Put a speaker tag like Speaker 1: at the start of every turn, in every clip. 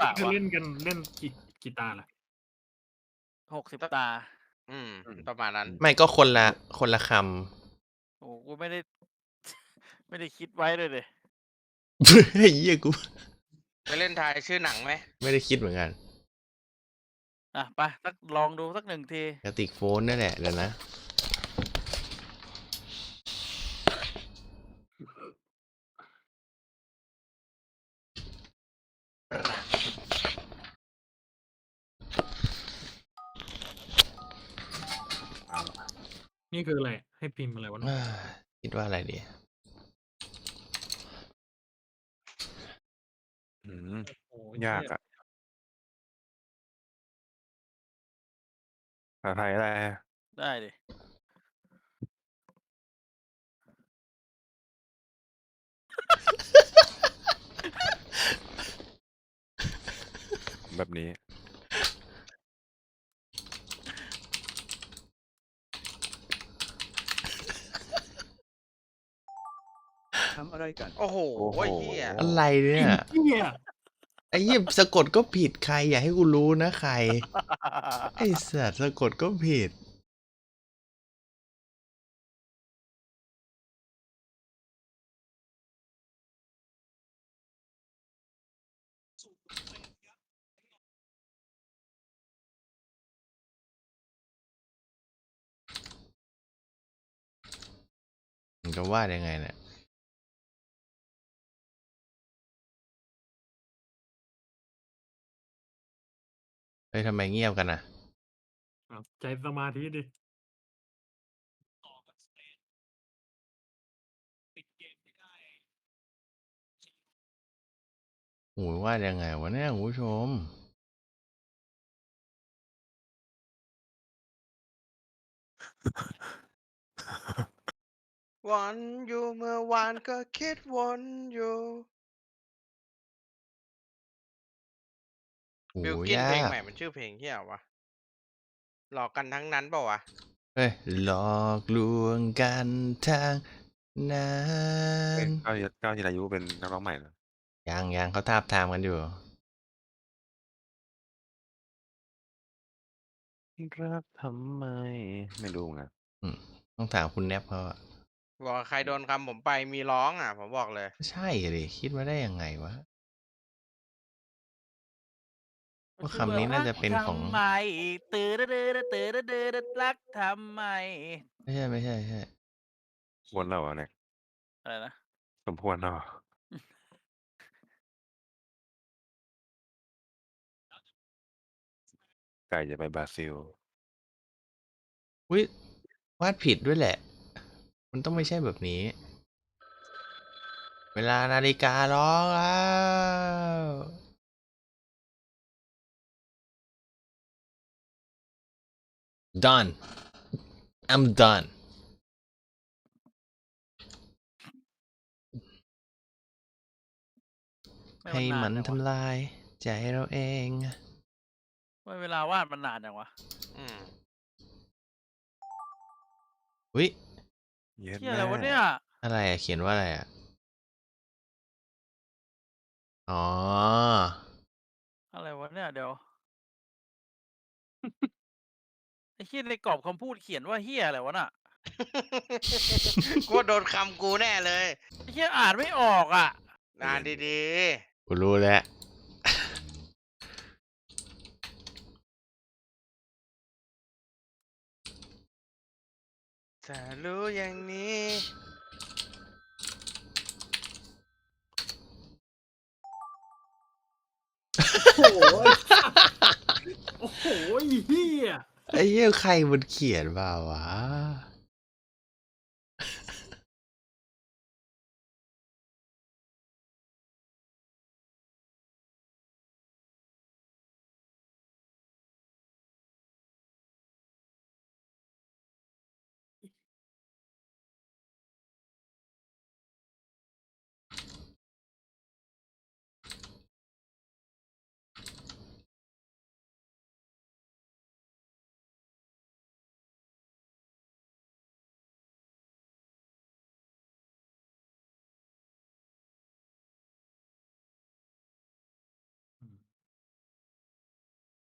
Speaker 1: ตะ
Speaker 2: จะ
Speaker 1: วะ
Speaker 2: เล่นกันเล่นกี่ตาล่ะ
Speaker 1: 60
Speaker 3: สัก
Speaker 1: ตา
Speaker 3: อืม
Speaker 4: อืม
Speaker 3: ประมาณนั้น
Speaker 5: ไม่ก็คนละค
Speaker 1: โอ้กูไม่ได้ ไม่ได้คิดไว้เลยดิ
Speaker 5: ำ ไอ้เหี้ยกู
Speaker 3: ไปเล่นทายชื่อหนังไหม
Speaker 5: ไม่ได้คิดเหมือนกัน
Speaker 1: อ่ะไปสักลองดูสัก1 ที
Speaker 5: กระติกโฟนนั่นแหละเดี๋ยวนะ
Speaker 2: นี่คืออะไรให้พิมพ์อะไรวะ
Speaker 5: คิดว่าอะไรดี
Speaker 4: อืม
Speaker 2: โอ้
Speaker 4: ยากอะภาษาไทยอะไร
Speaker 1: ได้ดิ
Speaker 4: แบบนี้
Speaker 6: ทำอะไรกัน
Speaker 3: โอ้โห
Speaker 4: โอ้โห
Speaker 3: เฮีย
Speaker 5: อะไรเนี่ย
Speaker 2: เหี้ย
Speaker 5: ไอ้เหี้ยสะกดก็ผิดใครอย่าให้กูรู้นะใคร ไอ้สัตว์สะกดก็ผิด มันจะวาดยังไงเนี่ยเฮ้ยทำไมเงียบกันอ่ะ
Speaker 2: ใจสมาธิดิ
Speaker 5: โอ้ยวาดยังไงวะเนี่ยคุณผู้ชม
Speaker 3: วันอยู่เมื่อวานก็คิดวนอยู่
Speaker 5: โอ้
Speaker 3: บิล
Speaker 5: ย
Speaker 3: กินเพลง
Speaker 5: ยาก
Speaker 3: ใหม่มันชื่อเพลงเฮียวะหลอกกันทั้งนั้นเปล่าวะ
Speaker 5: เฮ้ย หลอกลวงกันทางนั้
Speaker 4: เอ้ย
Speaker 5: น
Speaker 4: ก้าวจิรายุเป็นนักร้องใหม่เหรอ
Speaker 5: ยังเขาทาบทามกันอยู่
Speaker 4: รักทำไม ไม่รู้เหมือนกัน
Speaker 5: ต้องถามคุณแนบเขาอะ
Speaker 3: บอกว่าใครโดนคำผมไปมีร้องอ่ะ ผมบอกเลย
Speaker 5: ใช่เลยคิดมาได้ยังไงวะ ว่าคำนี้น่าจะเป็นของ
Speaker 1: ทำไมตื่นตื่นตื่นตื่นรักทำไม
Speaker 5: ไม่ใช่
Speaker 4: วนแล้วเหรอเนี่ย
Speaker 1: อะไรนะ
Speaker 4: สมควรแล้วเหรอ ไก่จะไปบราซิล
Speaker 5: อุ้ยวาดผิดด้วยแหละ มันต้องไม่ใช่แบบนี้ เวลานาฬิการ้องแล้ว done I'm done ให้มันทำลายใจเราเอง
Speaker 1: ไม่เวลาวาดมันนานจังวะ
Speaker 3: อืม
Speaker 5: อุ้ย
Speaker 4: เย็ด
Speaker 1: เฮีย
Speaker 4: แม่
Speaker 1: อะไรวะเนี่ย
Speaker 5: อะไรอะเขียนว่าอะไรอะอ๋อ
Speaker 1: อะไรวะเนี่ยเดี๋ยว ไอ้เฮียในกรอบคำพูดเขียนว่าเฮียอะไรวะน่ะ
Speaker 3: กูว่าโดนคำกูแน่เลย
Speaker 1: ไอ้เฮียอ่านไม่ออกอ่ะ
Speaker 3: นานดี
Speaker 5: กูรู้แล้ว
Speaker 3: ๆถ้ารู้อย่างนี้
Speaker 2: โอ้โหโอ้โหเหี้ย
Speaker 5: ไอ้เหี้ยใครมันเขียนมาวะ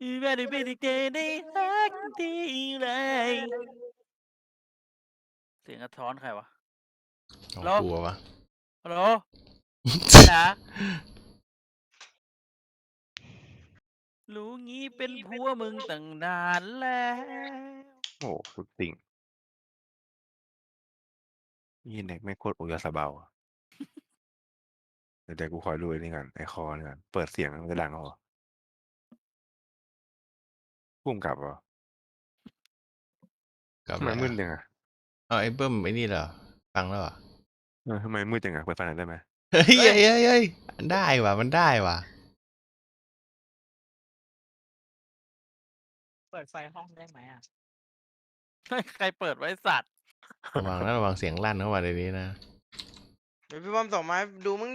Speaker 1: แม่ได้เป็นเด็กได้รักทีไรเสียงกระท้อนใครวะ
Speaker 5: ของ
Speaker 1: แล้ว
Speaker 5: กูวะ
Speaker 1: ฮัลโหลจ๋ารู้งี้เป็นผัวมึงตั้งนานแล้ว
Speaker 4: โอ้โหสุดติ่งยี่เน็กไม่โคตรโอยาสเบาอะเดี๋ยวกูคอยดูไอ้นี่กันไอคอนี่กันเปิดเสียงมันจะดังเหรอพุ่มกลับเหรอก
Speaker 5: ลับ
Speaker 4: ทำไม
Speaker 5: แล้ว
Speaker 4: มืดจังอะ
Speaker 5: เอาไอ้เบิ้มไอ้นี่เหรอ ฟังแล้วเหรอ
Speaker 4: ทำไมมืดจังอะเปิดไฟหน่อยได้ไหม
Speaker 5: เฮ้ยเฮ้ยเฮ้ยเฮ้ยได้ว่ะ มันได้ว่ะ
Speaker 7: เปิดไฟห้องได้ไหมอ่ะ
Speaker 1: ใครเปิดไว้สัตว์
Speaker 5: ระวังนะระวังเสียงลั่นเข้ามาในนี้นะ
Speaker 3: เดี๋ยวพี่บอมส่งมาให้ดูมั้งดิ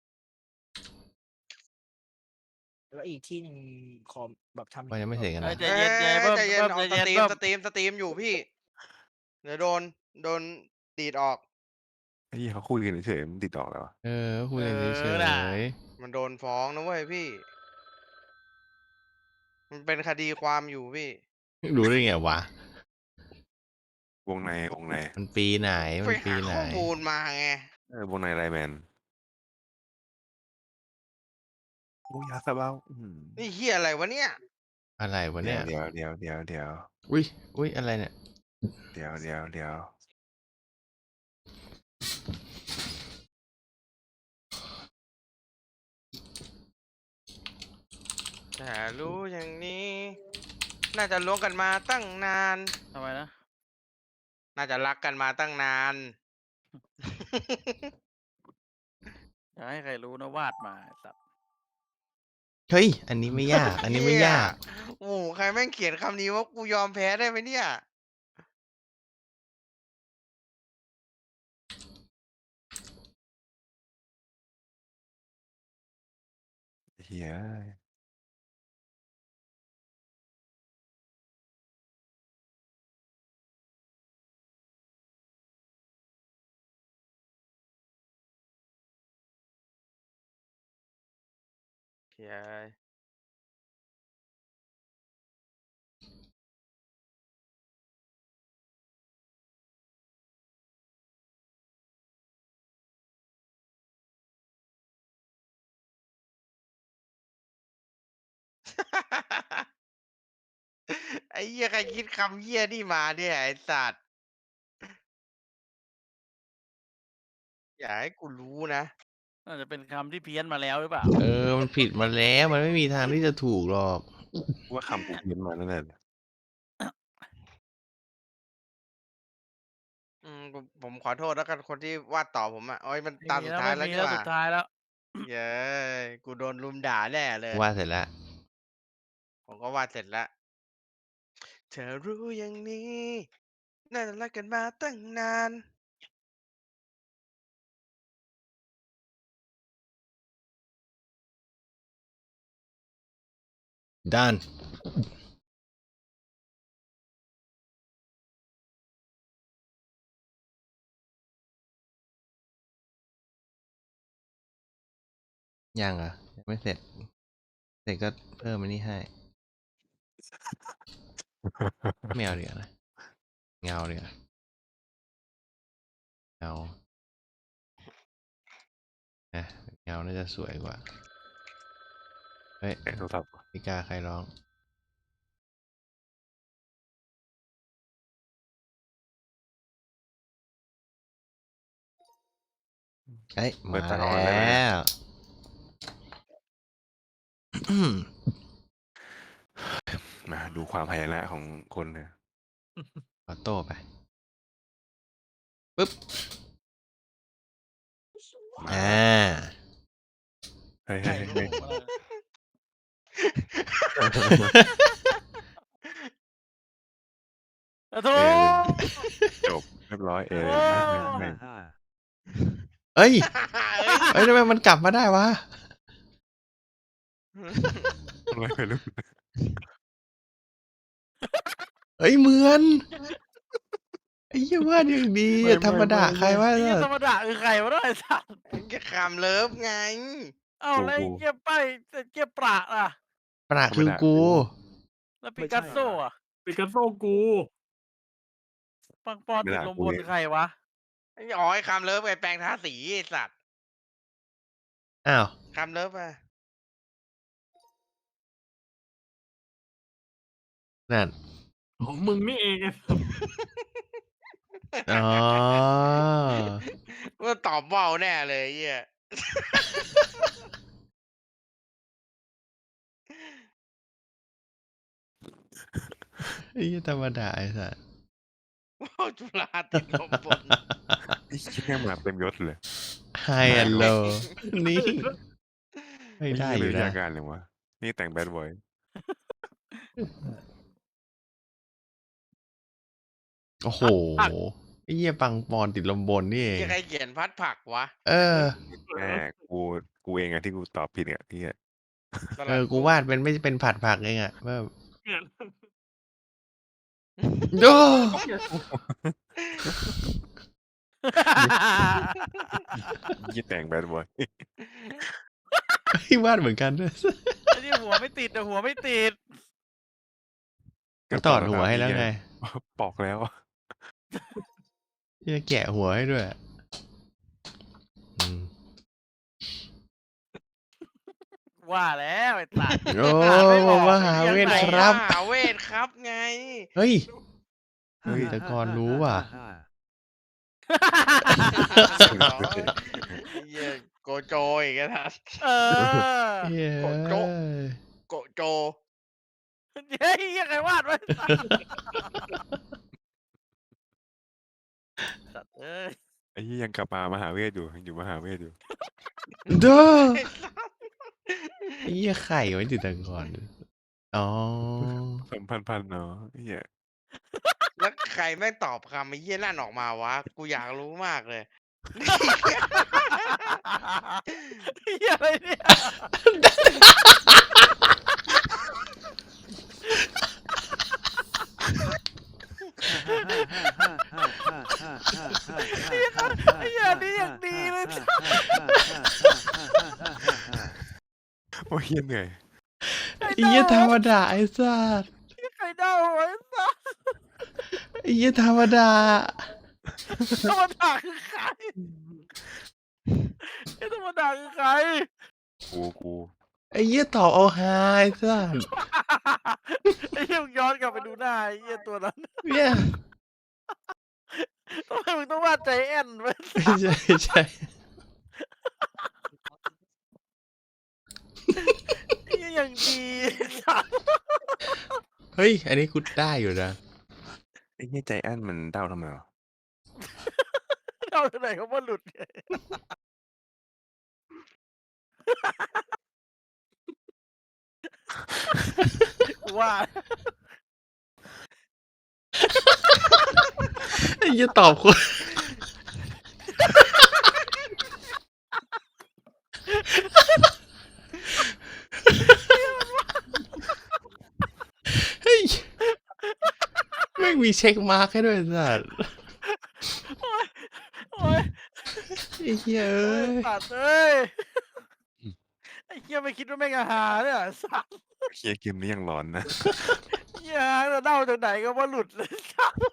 Speaker 7: แล้วอีกที่หนึ่งคอมแบบทำ
Speaker 5: ว่ายังไม่เสร็จกัน
Speaker 1: เอ้ย
Speaker 5: นะ
Speaker 1: ใจเย็นใจเบิ้ม
Speaker 3: ใจเย็น
Speaker 1: เบิ้ม
Speaker 3: เอา
Speaker 1: ใจ
Speaker 3: ส
Speaker 1: เย็น
Speaker 3: ตรีม
Speaker 1: เบิ้ม
Speaker 3: สตรีมอยู่พี่ เดี๋ยวโดนดีดออก
Speaker 4: ไอ้ยี่เขาคุยกันเฉยๆมันติดต่อแล้วอะ
Speaker 5: เออคุยกันเฉ
Speaker 1: เออน่ะ
Speaker 5: ย
Speaker 3: มันโดนฟ้องนะเว้ยพี่ มันเป็นคดีความอยู่พี่
Speaker 5: ๆรู้ได้ไงวะ
Speaker 4: วงใน
Speaker 5: มันปีไหน
Speaker 3: ไป
Speaker 5: มันปี
Speaker 3: หา
Speaker 5: ไหน
Speaker 3: ข้อมูลมาไง
Speaker 4: วงในไลน์แมนโอ้ยาสเบา
Speaker 3: นี่เฮียอะไรวะเนี่ย
Speaker 5: อะไรวะเนี่ย
Speaker 4: เดี๋ยว
Speaker 5: อุ้ยอุ้ยอะไรเนี่ย
Speaker 4: เดี๋ยว
Speaker 3: แต่รู้อย่างนี้ น่าจะล้วงกันมาตั้งนาน
Speaker 1: ทำไมนะ
Speaker 3: น่าจะรักกันมาตั้งนาน
Speaker 1: อย่าให้ใครรู้นะวาดมาไอ้สัตว์
Speaker 5: เฮ้ย อันนี้ไม่ยาก อันนี้ไม่ยาก
Speaker 3: โอ้โหใครแม่งเขียนคำนี้ว่ากูยอมแพ้ได้ไหมเนี่ย
Speaker 4: เฮีย
Speaker 3: เฮีย ไอ้เหี้ยใครคิดคำเหี้ยนี่มาเนี่ยไอ้สัตว์ อย่าให้กูรู้นะ
Speaker 1: น่าจะเป็นคำที่เพี้ยนมาแล้วหรือเปล่า
Speaker 5: เออ มันผิดมาแล้ว มันไม่มีทางที่จะถูกหรอก
Speaker 4: ว่าคำกูเพี้ยนมานั่นแหละ
Speaker 3: ผมขอโทษแล้วกันคนที่วาดต่อผมอ่ะโอ้ยมัน
Speaker 1: ไม่
Speaker 3: ตา
Speaker 1: มี
Speaker 3: สุด
Speaker 1: แล้ว
Speaker 3: ท้าย
Speaker 1: ไม่
Speaker 3: แล้ว
Speaker 1: มี
Speaker 3: นี่
Speaker 1: แล้ว
Speaker 3: หว่า
Speaker 1: สุดท้ายแล้ว
Speaker 3: เย้ยกูโดนลุมด่าแน่เลย
Speaker 5: ว่าเสร็จแล้ว
Speaker 3: ผมก็วาดเสร็จแล้ว เธอรู้อย่างนี้ น่าจะรักกันมาตั้งนาน
Speaker 5: ด้าน ยังอ่ะยังไม่เสร็จ เสร็จก็เพิ่มอันนี้ให้ ไม่เอาเดี๋ยวานะ เงาเดี๋ยวาเงาเงาน่าจะสวยกว่า เฮ้ย
Speaker 4: ไอ้โทรศัพท์
Speaker 5: พิกาใครร้อง เอ้ย
Speaker 4: เปิ
Speaker 5: มา
Speaker 4: ดไฟอ่อน
Speaker 5: แล
Speaker 4: ได้ไหม
Speaker 5: ้ว
Speaker 4: มาดูความพยายามของคนเนี่ย
Speaker 5: ออโต้ไป ปึ๊บ
Speaker 4: มา
Speaker 5: อ่า
Speaker 4: เฮ้ย
Speaker 1: ใคร
Speaker 4: เฮ้ย
Speaker 1: รู้
Speaker 4: เฮ้ย
Speaker 1: ขอโท
Speaker 4: เอ
Speaker 1: ษ
Speaker 4: จบเรียบร้อยเลยไม่
Speaker 5: เอ้ย
Speaker 3: เอ้ย
Speaker 5: เอ้ยทำไมมันกลับมาได้วะ
Speaker 4: ไม่รู้
Speaker 5: เอ้ยเหมือน ไอ้เหี้ยว่าอย่างดีอะธรรมดาใครว่า
Speaker 1: ไอ้เหี้ยธรรมดาคือใครวะเนี่ยไอ้สัตว์
Speaker 3: ก็คำเลิฟไง
Speaker 1: เอ้าแล้วไอ้เหี้ยป้ายไอ้เหี้ยประอ่ะ
Speaker 5: ประคือกู
Speaker 1: แล้วปิ
Speaker 6: ไม่
Speaker 1: กัส
Speaker 6: ใช่
Speaker 1: โซอ่ะ
Speaker 2: ปิกัสโซกู
Speaker 1: ปังปอนติดลมบนใครวะ
Speaker 3: อ๋อไอ้คำเลิฟไอ้แปลงทาสีไอ้สัตว์
Speaker 5: อ้าว
Speaker 3: คำเลิฟอะ
Speaker 5: นั่น
Speaker 2: ของมึงนี่เองไอ้สัส
Speaker 5: อ๋อ
Speaker 3: ว่าตอบว่าวแน่เลยไอ้เหี้ย
Speaker 5: ไอ้เหี้ยธรรมดาไอ้สัส
Speaker 3: ว่าวจุฬาติดลมบน
Speaker 4: ไอ้เหี้ยมาเต็มยศเลย
Speaker 5: ไฮแอนโลนี่ ไม่ได้
Speaker 4: อ้
Speaker 5: อยู่
Speaker 4: เหี้
Speaker 5: นะ
Speaker 4: ยาการเลยวะนี่แต่งแบดบอย
Speaker 5: โอ้โห ไอ้เหี้ยปังปอนติดลมบนนี่เอง
Speaker 3: ยังใครเขียนพัดผักวะ
Speaker 5: เออ
Speaker 4: แม่กูเองอะที่กูตอบผิดอะที่
Speaker 3: สลัด
Speaker 5: เออ กูวาดเป็นไม่เป็นผัดผักเองอะแบบ
Speaker 2: เนี่ย
Speaker 5: โอ้
Speaker 4: ยี่แต่งแบดบอย
Speaker 5: วาดเหมือนกันด้วย
Speaker 1: ไอ้นี่หัวไม่ติดแต่หัวไม่ติด
Speaker 5: ก็ตอดหัวให้แล้วไง
Speaker 4: ปอกแล้ว
Speaker 5: จะแกะหัวให้ด้วยอืม
Speaker 1: ว่าแล้วไอ้สัตว์
Speaker 5: โอ้
Speaker 1: ไม่บอก
Speaker 5: มหาเวทครับ
Speaker 3: มหาเวทครับไง
Speaker 5: เฮ้ย
Speaker 6: ฮ่า
Speaker 5: แต่ก่อนรู้ว่ะ
Speaker 6: ฮ่า
Speaker 3: ไอ้เหี้ยโกโจอีกแล้วนะ
Speaker 1: เออ
Speaker 5: เฮ้ย
Speaker 3: โกโจ๊ะ โกโจ
Speaker 1: เฮ้ยยังไงวาดไว้สัตว์เอ้ย
Speaker 4: ไอ้ยี่ยังกลับมามหาเวทอยู่ยังอยู่มหาเวทอยู่
Speaker 5: เด้อ
Speaker 3: ไอ้สัส
Speaker 5: ไอ้เหี้ยไข่ไว้ติดตังก่อน อ๋อ
Speaker 4: พันเนาะไอ้เหี้ย
Speaker 3: แล้วใครแม่งตอบคำไอ้เหี้ยนั่นออกมาวะ กูอยากรู้มากเลย
Speaker 1: เหี้ยอะไรเนี่ย
Speaker 6: ฮ่าฮ่าฮ่าฮ่าฮ่าฮ่า
Speaker 1: ไอ้เหี้ยนี่ยังดีเลย
Speaker 4: โอ้ยเหี้ยเหนื่อย
Speaker 5: ไอ้เหี้ยธรรมดาไอ้สัส
Speaker 1: ใครเดาไว้สัตว์
Speaker 5: ไอ้เหี้ยธรรมดา
Speaker 1: ธรรมดาคือใครไอ้ธรรมดาคือใคร
Speaker 4: กู
Speaker 5: ไอ้เหี้ยตอบเอาฮาไอ้สัส
Speaker 1: ไอ้เหี้ยมึงย้อนกลับไปดูหน้าไอ้เหี้ยตัวนั้น
Speaker 5: เนี่ย
Speaker 1: ทำไมมึงต้องวาดใจแอนไว้
Speaker 5: ไม่ใช่ไม่ใช่
Speaker 1: ไอ้เหี้ยอย่างดีสัตว์
Speaker 5: เฮ้ย อันนี้กูได้อยู่นะ
Speaker 4: ไอ้เหี้ยใจแอนมันเด้าทำไมวะ
Speaker 1: เดาที่ไหนเขาว่าหลุดเนี่ยกูว่า
Speaker 5: ไอ้เหี้ยตอบคน เฮ้ยไม่งมีเช็คมาร์คให้ด้วยสัส
Speaker 1: โอ้ย
Speaker 5: ไอ้เหี้ย
Speaker 1: โอ้
Speaker 5: เอ้
Speaker 1: ย
Speaker 5: ย
Speaker 1: สัตว์เอ้ยไอ้เหี้ยไม่คิดว่าแม่งอาหารเนี่ยสัตว์
Speaker 4: เหี้ยเกมนี้ยังร้อนนะ
Speaker 1: เหี้ยเราเดาจากไหนก็ว่าหลุดเลยสัตว์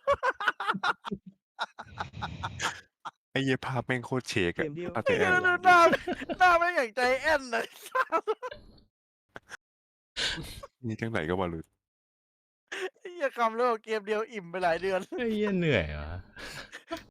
Speaker 4: ไอ้เหี้ยภาพแม่งโคตรเชก
Speaker 6: เก
Speaker 4: อะ
Speaker 6: มเดียว
Speaker 4: ภาพใจ
Speaker 1: ไอ้
Speaker 4: แอ
Speaker 1: เหี้ย
Speaker 4: น
Speaker 1: ดูหน้าแม่งอย่างใจแอนเลยสัตว์
Speaker 4: นี่จังไหนก็บอลลูน
Speaker 1: ไอ้เหี้ยคำเลิกเกมเดียวอิ่มไปหลายเดือน
Speaker 5: ไอ้เหี้ยเหนื่อยว่ะ